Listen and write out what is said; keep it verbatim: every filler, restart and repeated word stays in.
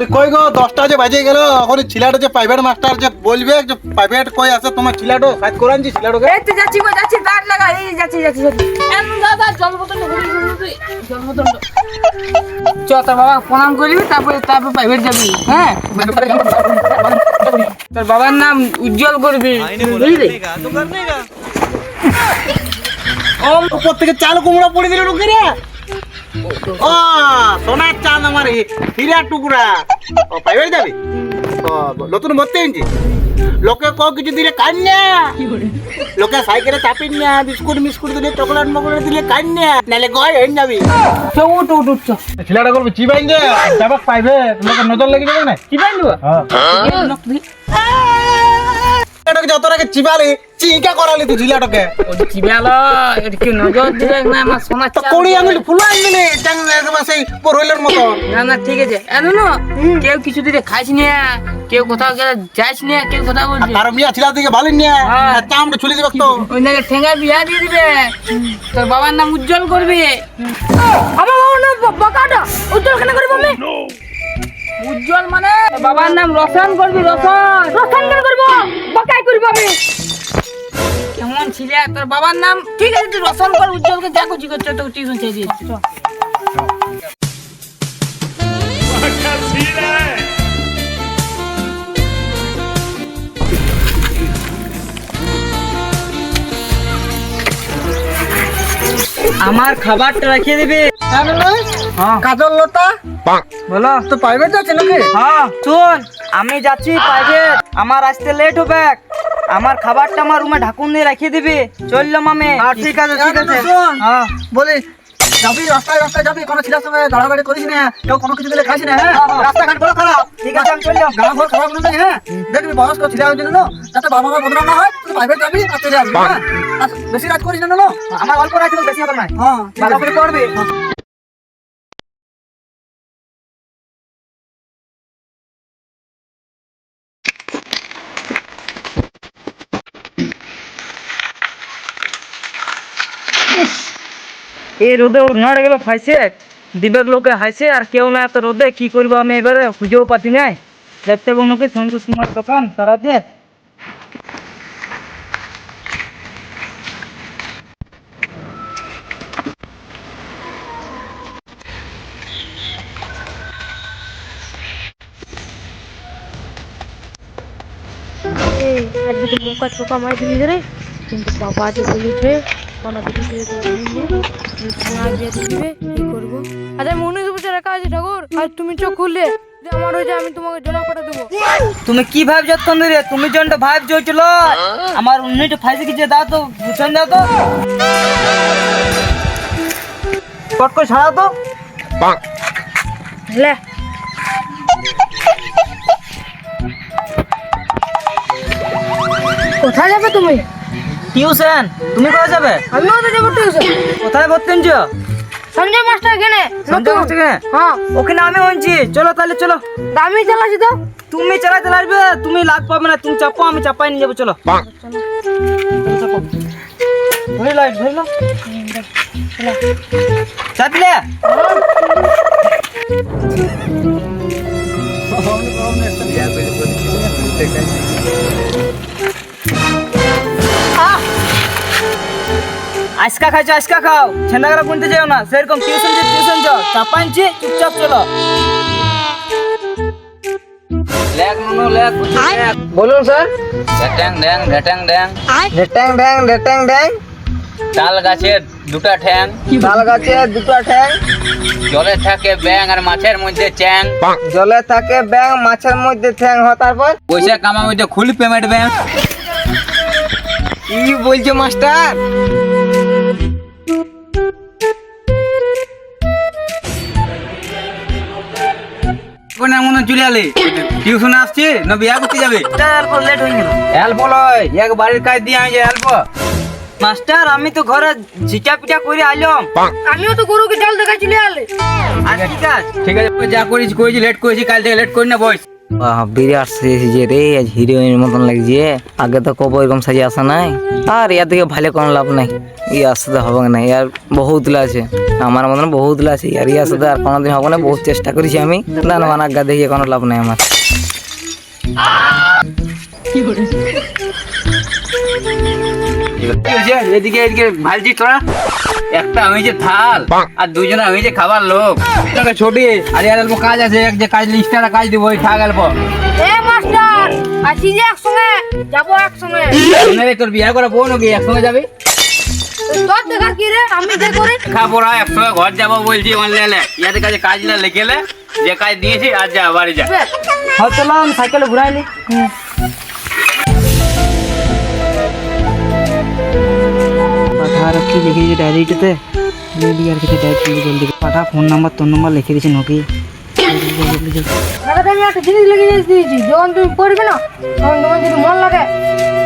কই গো দশটা যে বাজে গেল এখন ছিলাটা যে প্রাইভেট মাস্টার যে বলবে যে প্রাইভেট কই আছে তোমার ছিলাটো সাইড করে আনছি ছিলাটোকে এই তো যাচ্ছি গো যাচ্ছি দাঁড় লাগা এই যাচ্ছি যাচ্ছি যাচ্ছি এম দাদা জল বোতল জল বোতল চ তোর বাবা প্রণাম করবি তারপরে তারপর প্রাইভেট যাবি হ্যাঁ তোর বাবার নাম উজ্জ্বল করবি বুঝলি ও উপর থেকে চাল কুমড়া পড়ে দিল ঢুকে রে ও সোনার চাঁদ আমার হীরা টুকরা ও প্রাইভেট যাবি ও নতুন ভর্তি হয়েছি লোকে ক কিছু দিলে কান্না লোকে সাইকেলে চাপিন না বিস্কুট মিস্কুট দিলে চকলেট মকলেট দিলে কান্না নাহলে গয় হয়ে যাবি তো উঠ উঠ উঠ ছেলেটা করবে চিবাইন যে যাবা প্রাইভেট লোকে নজর লেগে যাবে না চিবাই দেবো এটাকে যত আগে চিবালি চিকা করালি তুই ঝিলাটাকে ওই চিবালো এটা কি নজর দিলে না আমার সোনা তো কোড়ি আঙুল ফুলো আনলি চাং একবার সেই পরইলের মতো না না ঠিক আছে এনো না কেউ কিছু দিলে খাইছ না কেউ কোথাও গেলে যাইছ না কেউ কোথাও বলছে আর মিয়া ছিলা দিকে ভালো নিয়ে চামড়া ছুলি দিবে তো ওই নাকি ঠেঙ্গা বিয়া দিয়ে দিবে তোর বাবার নাম উজ্জ্বল করবি আমার বাবার নাম বকাটা উজ্জ্বল কেন করবো আমি উজ্জ্বল মানে বাবার নাম রোশন করবি রোশন রোশন কেন করবো বকাই করবো আমি কেমন ছিলে তোর বাবার নাম ঠিক আছে তুই রোশন কর উজ্জ্বলকে যা করছি করছে তো টিউশন ছেড়ে দিয়েছি আমার খাবারটা রাখিয়ে দিবি কাজল লতা বলো তো প্রাইভেট আছে নাকি হ্যাঁ শুন আমি যাচ্ছি প্রাইভেট আমার আসতে লেট হবে আমার খাবারটা আমার রুমে ঢাকুন দিয়ে রাখিয়ে দিবি চললাম আমি ঠিক আছে ঠিক আছে হ্যাঁ বলি যাবি রাস্তায় রাস্তায় যাবি কোনো ছিলার সঙ্গে দাঁড়াবাড়ি করিস না কেউ কোনো কিছু দিলে খাইস না হ্যাঁ রাস্তাঘাট বড় খারাপ ঠিক আছে আমি চললাম গাঁ ঘর খারাপ নেই হ্যাঁ দেখবি বয়স্ক ছিলা হয়ে জন্য যাতে বাবা মা বদনাম না হয় তুই প্রাইভেট যাবি আর চলে আসবি হ্যাঁ আর বেশি রাত করিস না না আমার অল্প রাখছি বেশি হবে না হ্যাঁ ভালো করে পড়বি এই রোদে উড়াড়ে গেল ফাইসে দিবের লোকে হাইছে আর কেউ না এত রোদে কি করবো আমি এবারে খুঁজেও পাচ্ছি নাই দেখতে বন্ধুকে সন্তোষ কুমার দোকান তারা দিয়ে এই আজকে তো মুখ ছোকা মারি দিলি রে কিন্তু বাবা যে বলেছে কোনো কিছু না দিয়ে দিবে কি করবো আচ্ছা আমি উনিশ বছর একা আছি ঠাকুর আর তুমি চোখ খুললে যে আমার হয়ে আমি তোমাকে জমা করে দেবো তুমি কি ভাব যতক্ষণ ধরে তুমি জনটা ভাব চলছিল আমার উন্নয়টা ফাইসে কিছু দাও তো বুঝছেন দাও তো কট করে ছাড়া তো লে কোথায় যাবে তুমি টিউশন তুমি কোথায় যাবে আমিও তো যাবো টিউশন কোথায় ভর্তি হচ্ছ সঞ্জয় মাস্টার এখানে সঞ্জয় মাস্টার এখানে? হ্যাঁ ওখানে আমি হচ্ছি চলো তাহলে চলো আমি চালাচ্ছি তো তুমি চালা চালা আসবে তুমি লাগ পাবে না তুমি চাপো আমি চাপাই নিয়ে যাবো চলো ধরে লাইট ধরে লো চাপলে আজকা খাইছো আজকা খাও ছেন্দাগরা গুনতে যাও না সেরকম টিউশন যে টিউশন যাও চাপাইছি চুপচাপ চলো লেগ নুনো লেগ বলুন স্যার ঢেটাং ড্যাং ঢেটাং ড্যাং ঢেটাং ড্যাং ঢেটাং ড্যাং তাল গাছের দুটা ঠ্যাং তাল গাছের দুটা ঠ্যাং জলে থাকে ব্যাং আর মাছের মধ্যে চ্যাং জলে থাকে ব্যাং মাছের মধ্যে ঠ্যাং হ তারপর পয়সা কামার মধ্যে খুল পেমেন্ট ব্যাং কি বলছো মাস্টার কোন মনে চলে আলে টিউশন আসছে না বিয়া করতে যাবে অল্প লেট হয়ে গেল অল্প লয় এক বাড়ির কাজ দিয়ে আমি অল্প মাস্টার আমি তো ঘরে ঝিটা পিটা করে আইলাম আমিও তো গরুকে জল দেখাই চলে আলে আর ঠিক আছে ঠিক আছে যা করেছি করেছি লেট করেছি কাল থেকে লেট করি না বস বাহ, বিরাট সেজেছে রে, আজ হিরোইন মতন লাগছে। আগে তো কবে এরকম সাজে আসা নাই। আর ইয়ার থেকে ভালো কোনো লাভ নাই, ইয়ার সাথে হবে না। ইয়ার বহুত আছে, আমার মতন বহুত আছে। ইয়ার ইয়ার সাথে আর কোনোদিন হবে না। বহুত চেষ্টা করেছি আমি, না না আজ্ঞা দেখে কোনো লাভ নাই আমার। এদিকে এদিকে ভালছি তোরা, একটা আমি যে থাল আর দুজনে আমি যে খাবার লোক। ছোটি আর আর অল্প কাজ আছে, এক যে কাজ লিস্টটা কাজ দিব, ওই থাক অল্প। এ মাস্টার, আসি যে একসঙ্গে যাবো একসঙ্গে। শুনে তোর বিয়ে করা বউ নাকি একসঙ্গে যাবি? তোর দেখার কি রে, আমি যে করি খাবো না একসঙ্গে ঘর যাবো বলছি। অনলাইনে ইয়াদের কাছে কাজ না লিখেলে, যে কাজ দিয়েছি আর যা বাড়ি যা। হ্যাঁ চলাম, সাইকেলে ঘুরাইলি। পাঠার কি লিখে দিয়েছে ডায়েরিটাতে, জলদি আর কিছু ডায়েরি জলদি পাঠা। ফোন নাম্বার তোর নাম্বার লিখে দিয়েছে নাকি? দাদাটা আমি একটা জিনিস লিখে দিয়েছি, যখন তুমি পড়বে না তখন তোমার যদি মন লাগে